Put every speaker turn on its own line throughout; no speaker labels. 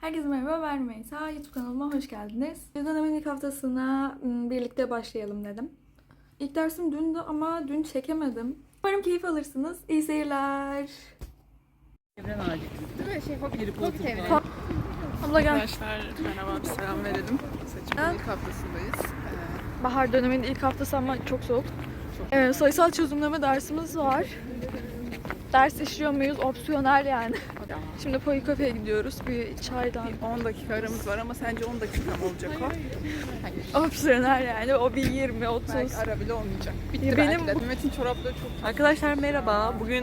Herkese merhaba, ben Rümeysa. YouTube kanalıma hoş geldiniz. Dönemin ilk haftasına birlikte başlayalım dedim. İlk dersim dündü ama dün çekemedim. Umarım keyif alırsınız. İyi seyirler.
Evren ağacı değil mi? Harry Potter.
Abla gel.
Arkadaşlar merhaba, bir selam verelim. Seçimin ilk haftasındayız.
Bahar döneminin ilk haftası ama çok soğuk. Sayısal çözümleme dersimiz var. Ders işliyor muyuz? Opsiyonel yani. Şimdi Poikofe'ye gidiyoruz. Bir çaydan.
10 dakika aramız var ama sence 10 dakika mı olacak o? Hayır.
Opsiyonel yani. O bir 20, 30.
Belki ara bile olmayacak. Bitti
Ya
belki
benim-
de. Mehmet'in çorapları çok...
Arkadaşlar merhaba. Bugün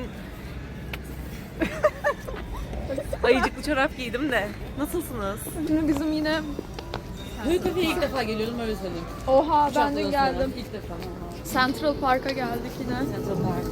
ayıcıklı çorap giydim de. Nasılsınız?
Şimdi bizim yine...
Poikofe'ye ilk defa geliyorum öyle söyleyeyim.
Oha ben dün geldim.
İlk defa.
Central Park'a geldik yine.
Central Park.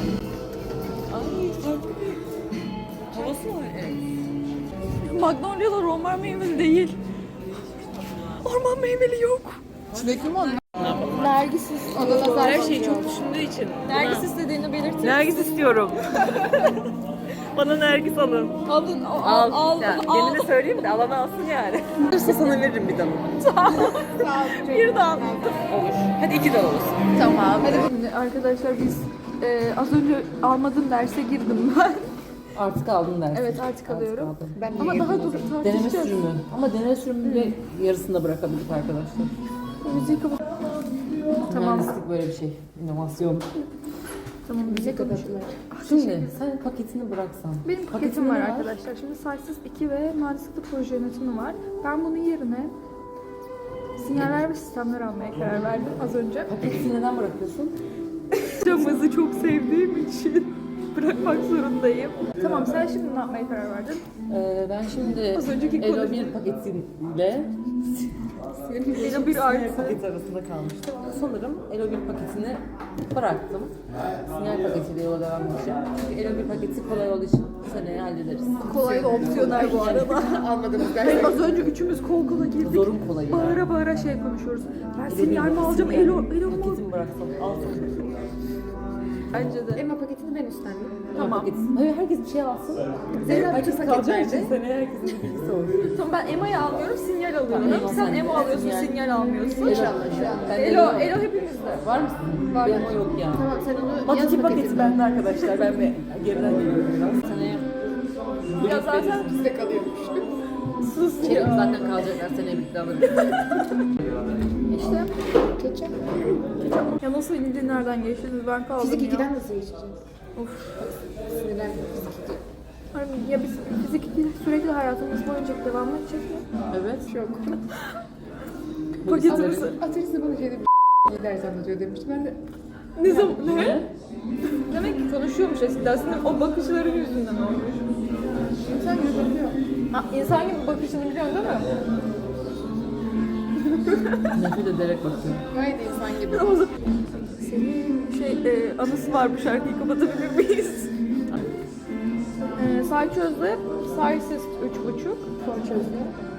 Ay farklı bir havası var. Evet.
Magnolia'lar orman meyveli değil. Orman meyveli yok.
Çilekli mi onlar?
Nergisiz.
Her şeyi çok düşündüğü için.
Nergis istediğini belirtin.
Nergis istiyorum. Bana nergis alın.
Alın,
Al. Ya, gelini söyleyeyim de alanı alsın yani. Olursa sana veririm bir dalını.
Bir dal.
Olur. Hadi 2 dal olsun.
Tamam. Şimdi arkadaşlar biz az önce almadığım derse girdim ben.
Artık aldın dersin.
Evet artık alıyorum.
Aldım.
Ama daha dur
Deneme
tartışacağız.
sürümü. Ama deneme sürümünü yarısında bırakabildik arkadaşlar.
Müziği kapat. Tamam.
Mühendislik böyle bir şey. İnovasyon.
Tamam bize konuşalım.
Şimdi sen paketini bıraksan.
Benim paketim var arkadaşlar. Şimdi Sayısız 2 ve Mühendislikte proje yönetimi var. Ben bunun yerine sinyaller ve sistemler almaya karar verdim az önce.
Paketini neden bırakıyorsun?
Camızı çok sevdiğim için bırakmak zorundayım. Tamam sen şimdi ne yapmaya karar verdin?
Ben şimdi
Az önceki
Elo
konu.
1 paketiyle
Elo 1 artı.
paket arasında kalmıştım. Sanırım Elo 1 paketini bıraktım. Sinyal paketiyle yola devam edeceğim. Çünkü Elo 1 paketi kolay olduğu için bu seneye hallederiz.
Kolay da opsiyonel bu arada.
Almadığımız
Hayır,
ders.
az önce üçümüz kol kola girdik.
Zorun kolayı.
Bağıra bağıra şey konuşuyoruz. Ben
Elo
sinyal mi alacağım? Elo mu?
paketimi bıraksam alsam.
Bence de.
Elma paketini ben üstlendim.
Tamam.
Hayır herkes bir şey alsın.
Zeynep
Herkes
paket
kalacağı
verdi.
için seneye herkesin bir bilgisi olsun.
Tamam ben EMA'yı almıyorum, sinyal alıyorum.
Tamam,
Sen
sen
EMA alıyorsun,
sinyal.
sinyal almıyorsun.
İnşallah şu an.
Ben de
Elo hepimizde.
Var mısın?
Var.
Benim o yok ya.
Tamam sen onu
Bak
yaz
iki paketi
paketini.
bende arkadaşlar. Ben bir geriden geliyorum biraz. Seneye
Ya zaten
Bizde kalıyormuş.
sus
Çelik
ya.
zaten kalacaklar. Seneye birlikte alırız.
İşte geçen.
Ya nasıl ince nereden geçtiniz ben kaldım
Fizik
ya.
2'den nasıl geçeceğiz?
Of.
Sinirler fizik 2.
Hani ya biz fizik 2 sürekli hayatımız boyunca devam edecek mi?
Evet.
Yok.
Paketimizi.
Ateşli bana şeyde bir ders anlatıyor demişti. Ben de
Ne zaman? Ne? Demek ki konuşuyormuş eskiden. Aslında o bakışların yüzünden olmuş.
insan gibi bakıyor.
Ha, insan gibi bakışını biliyorsun değil mi?
Nefret ederek bakıyorum.
Gayet insan gibi.
O zaman- Senin anısı var bu şarkıyı kapatabilir miyiz? Say çözdü, saysız 3,5.
Son çözdü.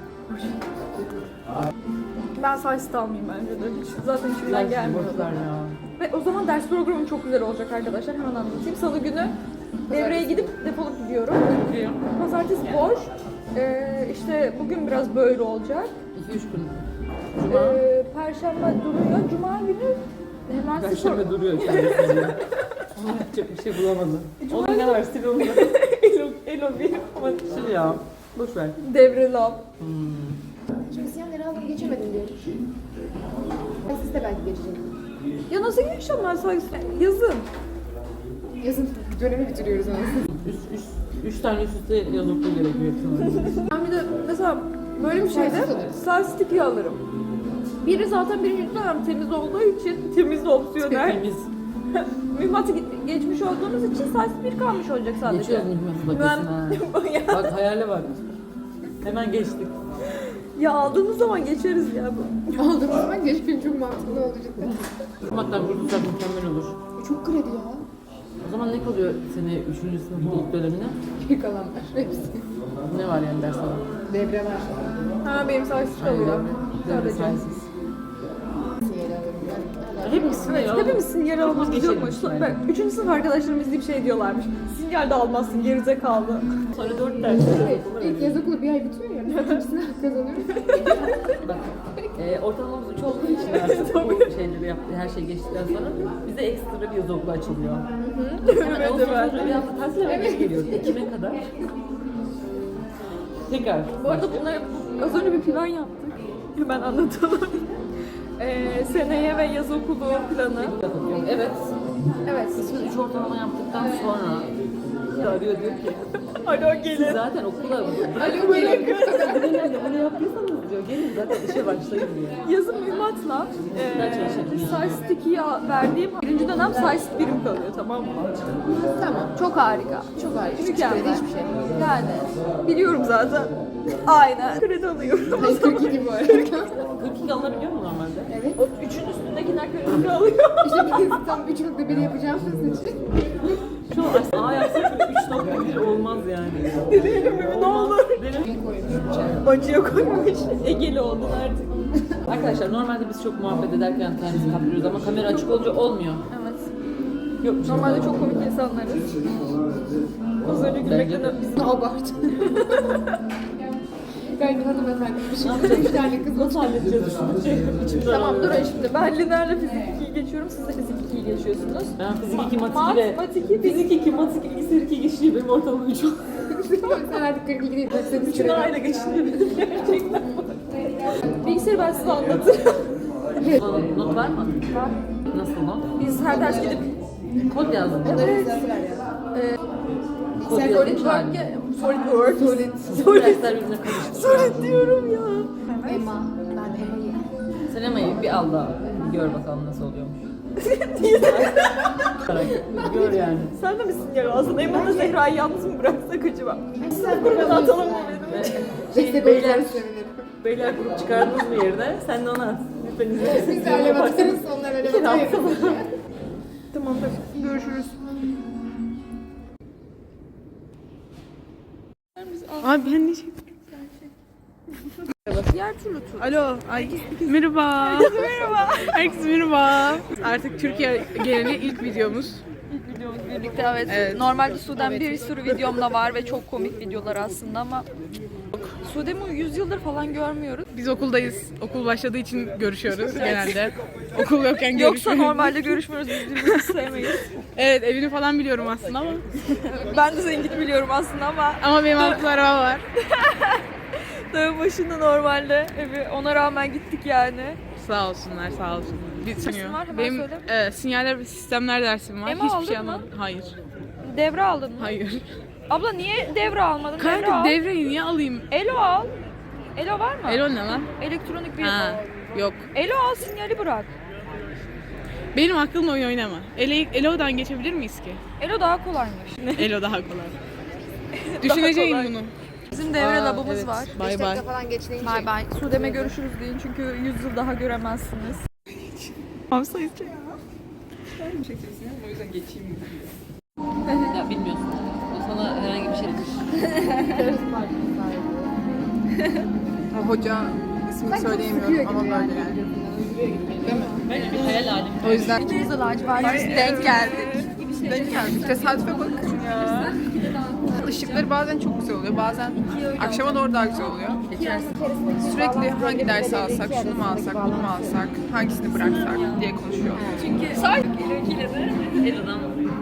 Ben saysız almayayım bence de. Zaten içimden gelmiyor.
Boşlar ya.
Ve o zaman ders programım çok güzel olacak arkadaşlar. Hemen anlatayım. Salı günü devreye gidip defolup gidiyorum. Pazartesi boş. İşte bugün biraz böyle olacak.
2-3 gün. Cuma.
Perşembe duruyor. Cuma günü hemen
Perşembe duruyor kendisi. Ona yapacak bir şey bulamadı. Onun ne var stil olmadı.
Elo bir ama
Sil ya. Boş ver.
devreli al.
Şimdi sinyalleri aldım geçemedim diye. Ben siz de belki geçeceğim.
Ya nasıl geçeceğim ben saysız? Yazın.
Yazın dönemi bitiriyoruz aslında.
Üç tane üst üste yazıp gerekiyor sanırım.
Ben bir de mesela böyle bir şeyde
Saysız alırız.
saysız tipi alırım. Biri zaten birinci dönem temiz olduğu için temiz opsiyonel.
Temiz.
Mühimmatı geçmiş olduğumuz için saysız bir kalmış olacak sadece.
Geçiyoruz mühimmatı bakıyorsun ha.
Ya,
Bak hayale bak. Hemen geçtik.
ya aldığımız zaman geçeriz ya bu.
Aldığımız zaman geçmeyin çok mantıklı oldu cidden.
Hatta kurtulsak mükemmel olur.
Çok kredi ya.
O zaman ne kalıyor sene 3. sınıfın ilk dönemine?
Bir kalanlar hepsi.
Ne var yani ders olarak?
Devre var.
Ha benim saysız kalıyor.
Devre
Sadece.
sayesinde.
Sinyali alırım ben.
Hepimizin
Evet, hepimizin yer almamız
Geçelim
yokmuş.
yani.
Ben 3. sınıf arkadaşlarım izleyip şey diyorlarmış. Sinyal de almazsın, gerizekalı.
Sonra 4 ders.
İlk yaz okulu bir ay bitiyor ya. İkincisini kazanıyoruz.
Bak, ortalamamız 3 olduğu için artık bu şeyleri yaptı, her şey geçtikten sonra bize ekstra bir yaz okulu açılıyor. Hemen Ağustos'ta bir hafta tatil hemen geri geliyoruz. Ekim'e kadar. Tekrar.
Bu arada bunları az önce bir plan yaptık. Hemen anlatalım. Seneye ve yaz okulu planı.
Evet.
Evet.
Biz 3 ortalama yaptıktan sonra arıyor diyor ki
Alo
siz
gelin.
zaten okula bunu yaptıysanız diyor gelin zaten işe başlayın diyor.
Yazın mühimmatla Size 2'ye verdiğim birinci dönem Size birim kalıyor, tamam mı?
Tamam.
Çok harika.
Çok harika.
Mükemmel.
Hiçbir şey.
Yani biliyorum zaten. Aynen. Kredi alıyorum.
42 bu arada.
42 alınabiliyor mu normalde?
Evet.
O üçün üstündekiler kredi alıyor.
İşte biz tam 3.1 yapacağımız için.
Şu an A yapsak 3.1 olmaz yani.
Deneyelim mi? Ne olur.
Deneyelim.
Koymuş.
Acıya koymuş. Egeli oldun artık.
Arkadaşlar normalde biz çok muhabbet ederken kendimizi kaptırıyoruz ama kamera açık olunca olmuyor.
Evet.
Yok.
Normalde çok komik insanlarız. Az önce gülmekten
Biz de abart. Ben bir hanımefendiymişim. 3 tane kız.
Nasıl halledeceğiz?
Tamam durun şimdi. Ben liderle fizik 2'yi geçiyorum. Siz de fizik 2'yi geçiyorsunuz.
Ben fizik 2, mat 2 ve
Matematik
fizik 2, mat 2, bilgisayar 2 geçiyor. Benim ortalama 3 oldu.
Sen artık 42 değil. Sen 3
Üçünü aile geçiniyor. Gerçekten.
Bilgisayarı ben size anlatırım.
Not var mı?
Var.
Nasıl not?
Biz her ders gidip
Kod yazdım.
evet.
Kod
Solid
yazdım.
Work'e Solid.
Solid. Dersler birbirine karıştı.
Solid diyorum ya.
Emma. Ben Emma'yı.
Sen Emma'yı bir al da gör bakalım nasıl oluyormuş. Gör yani.
Sen de misin ya? Aslında Emre'yle Zehra'yı yalnız mı bıraksak acaba? Sınıf grubuna atalım mı benim?
Destek olacağını sevinirim.
Beyler grup çıkardınız mı yerine? Sen de ona at. Lütfen izleyin.
Biz de alev atarız. Onlar alev atar.
Tamamdır. Görüşürüz.
Abi ben ne şey...
Diğer türlü tur.
Alo. Ay. Merhaba. Merhaba. Herkese merhaba. Artık Türkiye geneli ilk videomuz.
Videomuz birlikte evet.
Evet.
Normalde Sude'm bir sürü videom da var ve çok komik videolar aslında ama Sude'mi 100 yıldır falan görmüyoruz.
Biz okuldayız. Okul başladığı için görüşüyoruz genelde. Okul yokken
Yoksa
görüşmüyoruz.
normalde görüşmüyoruz, biz birbirimizi sevmeyiz.
Evet, evini falan biliyorum aslında ama.
Ben de zengin biliyorum aslında ama
Ama benim altımda araba var.
dağın başında normalde evi, ona rağmen gittik yani.
Sağ olsunlar, sağ olsunlar.
Dersin var, hemen
Benim
söyle.
sinyaller ve sistemler dersim var.
Ema
Hiçbir
aldın
şey
mı?
anlamadım. Hayır.
Devre aldın mı?
Hayır.
Abla niye devre almadın? Devre
Kanka
al.
devreyi niye alayım?
Elo al. Elo var mı?
Elo ne lan?
Elektronik bir.
Ha, yok.
Elo al, sinyali bırak.
Benim aklımla oyun oynama. Elo'dan geçebilir miyiz ki?
Elo daha kolaymış.
Elo daha kolay. Düşüneceğim
kolay.
bunu.
Bizim devre
Aa,
labımız
evet.
var.
Bay
5
bay.
dakika falan geç deyince.
Bay bay. Sude'me görüşürüz deyin çünkü 100 yıl daha göremezsiniz. Hamsa içecek.
Ya bilmiyorsun. O sana herhangi bir şey
Hoca ismini söyleyemiyorum ama böyle yani.
Bence bir hayal alemi.
O yüzden
İkimiz de lacivertiz denk geldik.
denk geldik. Tesadüfe bak. Işıkları bazen çok güzel oluyor, bazen akşama doğru daha güzel oluyor. Sürekli hangi dersi alsak, şunu mu alsak, bunu mu alsak, hangisini bıraksak diye konuşuyor.
Çünkü sadece Elo'kiyle de
Elo'dan.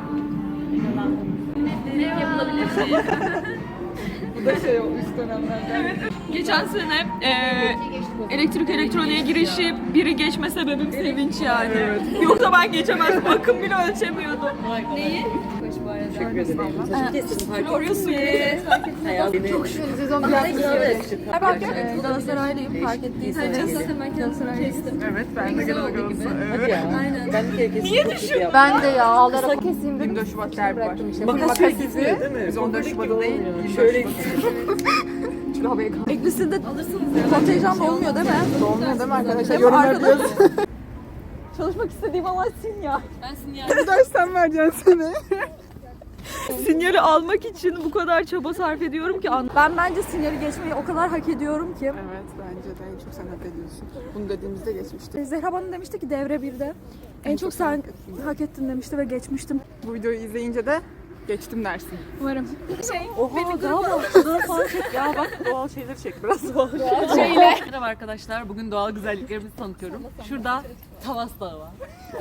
ne yapılabilir? Bu da şey o üst dönemlerden. Geçen sene elektrik elektroniğe girişi biri geçme sebebim sevinç yani. Yoksa ben geçemezdim. Akım bile ölçemiyordum. Neyi?
Teşekkür ederim.
Florya suyu.
Çok şükür sezon biraz
Ben Galatasaraylıyım, fark ettiyseniz.
Evet, ben de Galatasaray'ım.
Hadi ya. Aynen. Ben bir kere kesin
Niye
çok kötü yaptım.
Ben de ya ağlara keseyim dedim.
24 Şubat derbi var.
Makas izi değil mi?
Biz 14 Şubat değil,
Şöyle
Şöyle havaya kalk.
Eklisinde kontenjan da olmuyor değil mi?
Olmuyor değil mi arkadaşlar?
Değil mi
Yorumlar
arkadaşlar?
diyoruz.
Çalışmak istediğim Allah sin ya.
Ben sinyal.
Bu ders sen vereceksin seni.
Sinyali almak için bu kadar çaba sarf ediyorum ki ben bence sinyali geçmeyi o kadar hak ediyorum ki.
Evet bence de en çok sen hak ediyorsun. Bunu dediğimizde geçmişti.
Zehra bana demişti ki devre 1'de en çok sen hak ettin demişti ve geçmiştim.
Bu videoyu izleyince de geçtim dersin.
Umarım.
Oha galiba şunları falan çek. Ya bak doğal şeyleri çek biraz doğal Merhaba arkadaşlar. Bugün doğal güzelliklerimizi tanıtıyorum. Şurada Tavas Dağı var.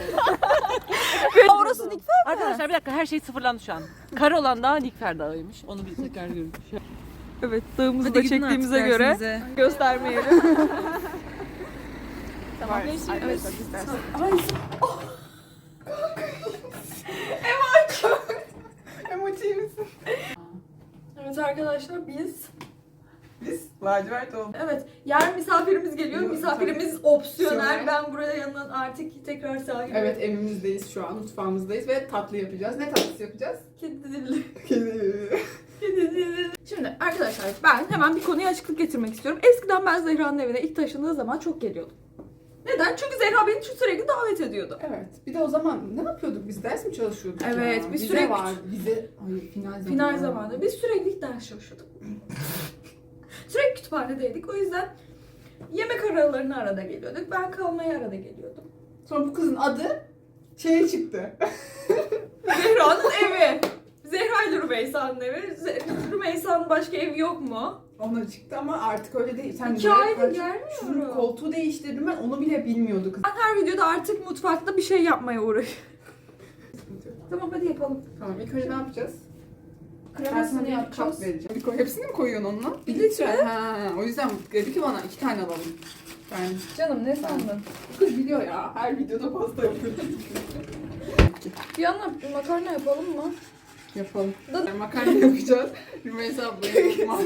Orası Nikfer mi?
Arkadaşlar bir dakika her şey sıfırlandı şu an. Kar olan dağ Nikfer Dağı'ymış. Onu bir tekrar görün.
Evet, dağımızı
Hadi
da
gidin
çektiğimize
artık
göre
dersinize.
göstermeyelim.
Tamam. Evet. İstersen. Emoji misin?
Evet arkadaşlar biz
Lacivert oldu.
evet yarın misafirimiz geliyor.
Yok,
Misafirimiz opsiyonel.
Opsiyonel.
Ben buraya yanından artık tekrar sahibim.
Evet evimizdeyiz şu an. Mutfağımızdayız ve tatlı yapacağız. Ne tatlısı yapacağız?
Kedi dilli.
Kedi.
Şimdi arkadaşlar ben hemen bir konuya açıklık getirmek istiyorum. Eskiden ben Zehra'nın evine ilk taşındığı zaman çok geliyordum. Neden? Çünkü Zehra beni sürekli davet ediyordu.
Evet. Bir de o zaman ne yapıyorduk? Biz ders mi çalışıyorduk?
Evet,
ya?
biz
Vize
sürekli-
var. Vize. Ay final zamanı.
Final zamanı. Biz sürekli ders çalışıyorduk. Sürekli kütüphanedeydik. O yüzden yemek aralarına arada geliyorduk. Ben kalmaya arada geliyordum.
Sonra bu kızın adı şeye çıktı.
Zehra'nın evi. Zehra ile Rümeysa'nın evi. Rümeysa'nın başka evi yok mu?
Ona çıktı ama artık öyle değil. Sen
2
de-
aydır
Şunun
gelmiyorum.
koltuğu değiştirdim ben onu bile bilmiyordu kız.
Ben her videoda artık mutfakta bir şey yapmaya uğraşıyorum. Tamam hadi yapalım.
Tamam ilk önce ne yapacağız? Ben sana
Kremasını
bir kap
yapacağız.
vereceğim. Bir koy, hepsini mi koyuyorsun onunla?
Bir litre.
Ha, o yüzden dedi ki bana 2 tane alalım. Ben
Canım ne sandın?
kız biliyor ya. Her videoda pasta yapıyor.
Bir yandan makarna yapalım mı?
Yapalım. Makarna yapacağız. Rümeysa ablaya yapmak.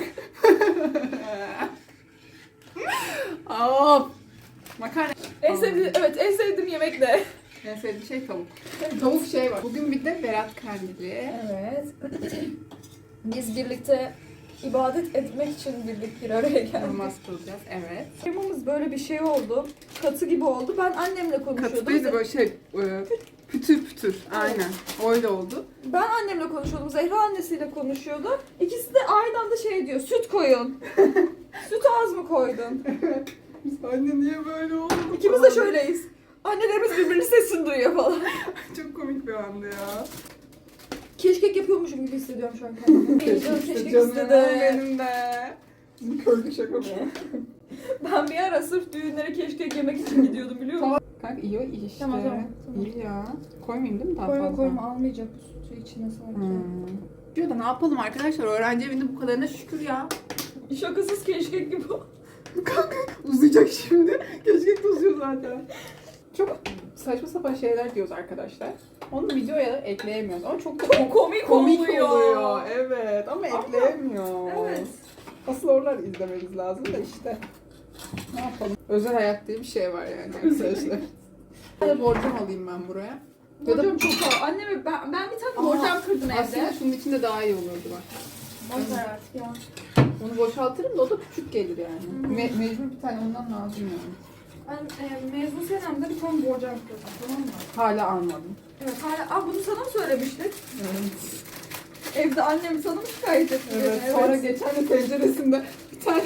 Of. Makarna.
En sevdiğim, evet en sevdiğim yemek ne?
En sevdiğim şey tavuk. Tavuk şey var. Bugün bir de Berat Kandili.
Evet. Biz birlikte ibadet etmek için bir araya geldik.
Namaz kılacağız. Evet.
Kremamız böyle bir şey oldu. Katı gibi oldu. Ben annemle konuşuyordum.
Katılıydı böyle şey. Pütür pütür. Aynen. Öyle oldu.
Ben annemle konuşuyordum. Zehra annesiyle konuşuyordu. İkisi de aynı anda şey diyor. Süt koyun. Süt az mı koydun?
Anne niye böyle oldu?
İkimiz de şöyleyiz. Annelerimiz birbirinin sesini duyuyor falan.
Çok komik bir andı ya.
Keşkek yapıyormuşum gibi hissediyorum şu an kendimi. Keşkek
Canım
istedim.
benim de. Bizim köylü şaka mı?
Ben bir ara sırf düğünlere keşkek yemek için gidiyordum biliyor musun?
Kanka iyi işte.
Tamam.
İyi ya. Koymayayım değil mi daha
Koyma
fazla?
koyma almayacak bu sütü içine sanki.
Diyor da ne yapalım arkadaşlar? Öğrenci evinde bu kadarına şükür ya.
Şakasız keşkek gibi.
Kanka uzayacak şimdi. Keşke de uzuyor zaten. Çok saçma sapan şeyler diyoruz arkadaşlar. Onu videoya da ekleyemiyoruz ama çok
Komik
oluyor. Evet ama
Ama-
ekleyemiyoruz.
Evet.
Asıl oralar izlemeniz lazım da işte. Ne yapalım? Özel hayat diye bir şey var yani arkadaşlar. Bir de borcam alayım ben buraya. Ya da
Borcam çok pahalı. Anneme ben bir tane borcam kırdım
aslında
evde.
şunun içinde daha iyi olurdu bak.
Boş ver artık ya.
Onu boşaltırım da o da küçük gelir yani. Mecbur bir tane ondan lazım yani.
Ben mezun senemde bir tane borcam kırdım tamam mı?
Hala almadım.
Evet hala. Bunu sana mı söylemiştik? Evde annem sana mı şikayet etti?
Evet. Sonra geçen de tenceresinde bir tane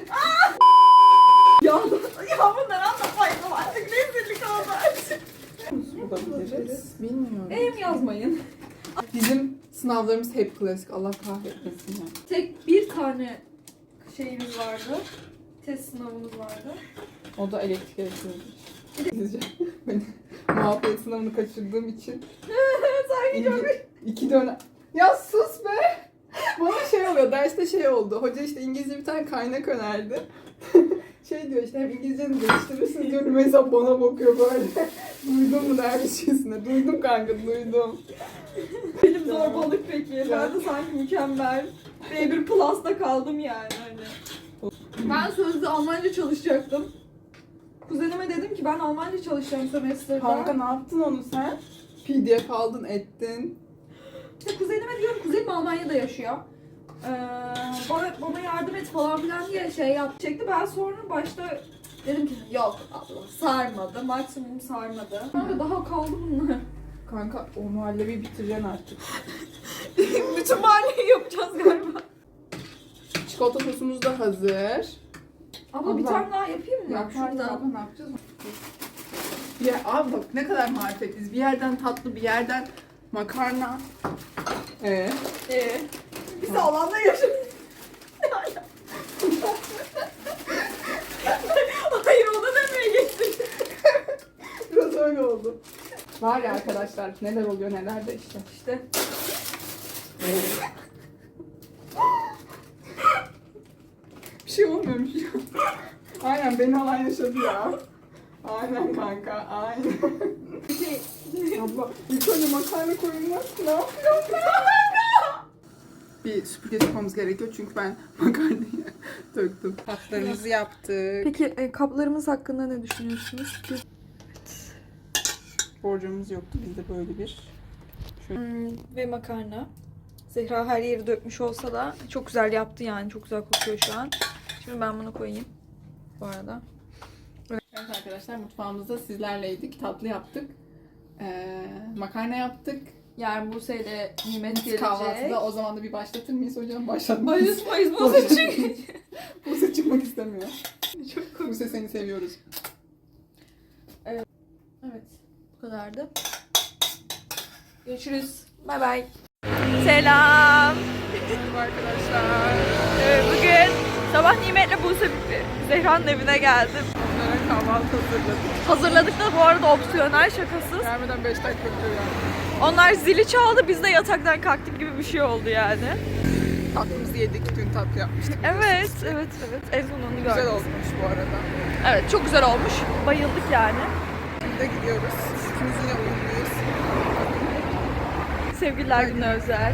Ya bunları anlatmayın artık rezillik oldu artık.
bulabiliriz. Bilmiyorum.
Em yazmayın.
Bizim sınavlarımız hep klasik. Allah kahretmesin ya.
Tek bir tane şeyimiz vardı. Test sınavımız vardı.
O da elektrik elektronik. Ben muhabbet sınavını kaçırdığım için.
Sanki çok...
İki dönem. Ya sus be! Bana şey oluyor, derste şey oldu. Hoca işte İngilizce bir tane kaynak önerdi. Şey diyor işte hem İngilizceni geliştirirsiniz diyor. Mesela bana bakıyor böyle. Duydun mu dermişçesine? Duydum kanka, duydum.
Benim zorbalık peki. Ben de sanki mükemmel. B1 Plus'ta kaldım yani hani. Ben sözlü Almanca çalışacaktım. Kuzenime dedim ki ben Almanca çalışacağım semestrde.
Kanka ne yaptın onu sen? PDF aldın, ettin.
İşte kuzenime diyorum, kuzenim Almanya'da yaşıyor. Bana yardım et falan filan diye şey yapacaktı. Ben sonra başta dedim ki yok abla sarmadı, maksimum sarmadı. Sonra daha kaldı bunlar.
Kanka o muhallebi bitireceksin artık.
Bütün mahalleyi yapacağız galiba.
Çikolata sosumuz da hazır.
Abla bir tane daha yapayım mı?
Ya şuradan ne yapacağız? Ya abi bak ne kadar marifetliyiz. Bir yerden tatlı, bir yerden makarna.
Biz de alanda yaşıyoruz. Hayır ona demeye geçtik.
Biraz öyle oldu. Var ya arkadaşlar neler oluyor neler de işte.
İşte.
Bir şey olmuyormuş ya. Aynen beni alan yaşadı ya. Aynen kanka aynen. Abla ilk önce makarna koyulmaz. Ne yapıyorsun kanka? Bir süpürge tutmamız gerekiyor çünkü ben makarnayı döktüm. Tatlarımızı yaptık.
Peki kaplarımız hakkında ne düşünüyorsunuz?
Borcamız yoktu bizde böyle bir.
Ve makarna. Zehra her yeri dökmüş olsa da çok güzel yaptı yani. Çok güzel kokuyor şu an. Şimdi ben bunu koyayım. Bu arada.
Evet arkadaşlar mutfağımızda sizlerleydik. Tatlı yaptık. Makarna yaptık.
Yarın Buse'yle Nimet gelecek.
Kahvaltıda o zaman da bir başlatır mıyız hocam? Başlatmayız.
Mayıs Buse çıkıyor.
Buse çıkmak istemiyor.
Çok komik.
Buse seni seviyoruz.
Evet. Bu kadardı. Görüşürüz. Bay bay. Selam.
Merhaba arkadaşlar.
Bugün sabah Nimet'le Buse Zehra'nın evine geldim.
Onlara kahvaltı hazırladık.
Hazırladık da bu arada opsiyonel şakasız.
Gelmeden 5 dakika önce yani.
Onlar zili çaldı, biz de yataktan kalktık gibi bir şey oldu yani.
Tatlımızı yedik. Dün tatlı yapmıştık.
Evet. En son onu gördüm.
Güzel olmuş bu arada.
Evet, çok güzel olmuş. Bayıldık yani.
Şimdi de gidiyoruz. İkimiz yine uyumluyuz.
Sevgililer günü özel.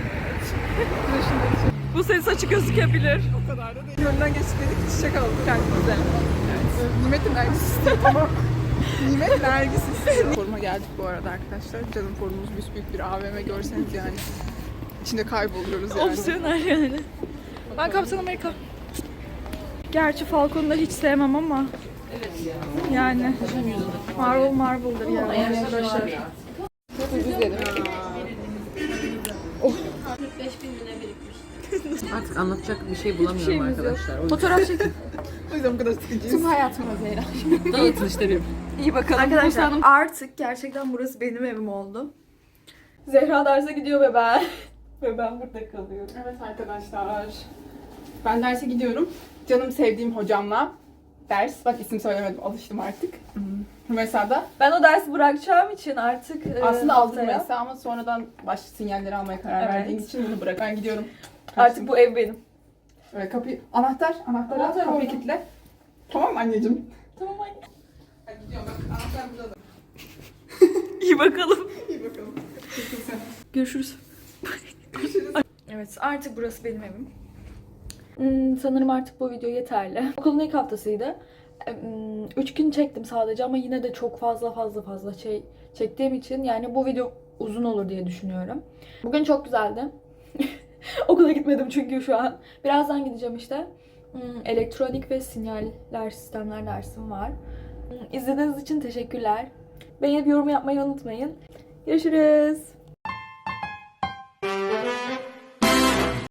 Bu senin saçı gözükebilir.
O kadar da değil. Yönden geçtik dedik çiçek aldık kendimize. Evet. Nimet'in Nergis istiyor tamam. Nimet Nergis istiyor. Foruma geldik bu arada arkadaşlar. Canım forumumuz büyük bir AVM görseniz yani. İçinde kayboluyoruz yani.
Opsiyonel yani. Ben Kaptan Amerika. Gerçi Falcon'u da hiç sevmem ama.
Evet ya.
Yani. Marvel'dır yani arkadaşlar.
Ucuz dedim.
Artık anlatacak bir şey bulamıyorum
şeyimiz yok.
arkadaşlar. O yüzden
Fotoğraf çekin.
O yüzden bu kadar sıkıcıyız.
Tüm hayatıma Zehra.
dağıtın işte benim.
İyi bakalım. Arkadaşlar artık gerçekten burası benim evim oldu. Zehra derse gidiyor ve ben. Ve ben burada kalıyorum.
Evet arkadaşlar. Ben derse gidiyorum. Canım sevdiğim hocamla ders. Bak isim söylemedim. Alıştım artık. Rümeysa'da.
Ben o dersi bırakacağım için artık
Aslında aldım
haftaya
Rümeysa ama sonradan başka sinyalleri almaya karar
Evet.
verdiğim için bunu bırak. Ben gidiyorum.
Artık bu ev benim.
Evet, kapıyı... Anahtar al,
Anahtar
kapıyı
orada.
kilitle. Tamam mı anneciğim?
Tamam anne.
Ben gidiyorum. Bak anahtar burada da.
İyi bakalım.
İyi bakalım. Kesin.
Görüşürüz.
Görüşürüz.
Evet artık burası benim evim. Sanırım artık bu video yeterli. Okulun ilk haftasıydı. 3 gün çektim sadece ama yine de çok fazla şey çektiğim için yani bu video uzun olur diye düşünüyorum. Bugün çok güzeldi. Okula gitmedim çünkü şu an. Birazdan gideceğim işte. Elektronik ve sinyaller sistemler dersim var. İzlediğiniz için teşekkürler. Beğenip yorum yapmayı unutmayın. Görüşürüz.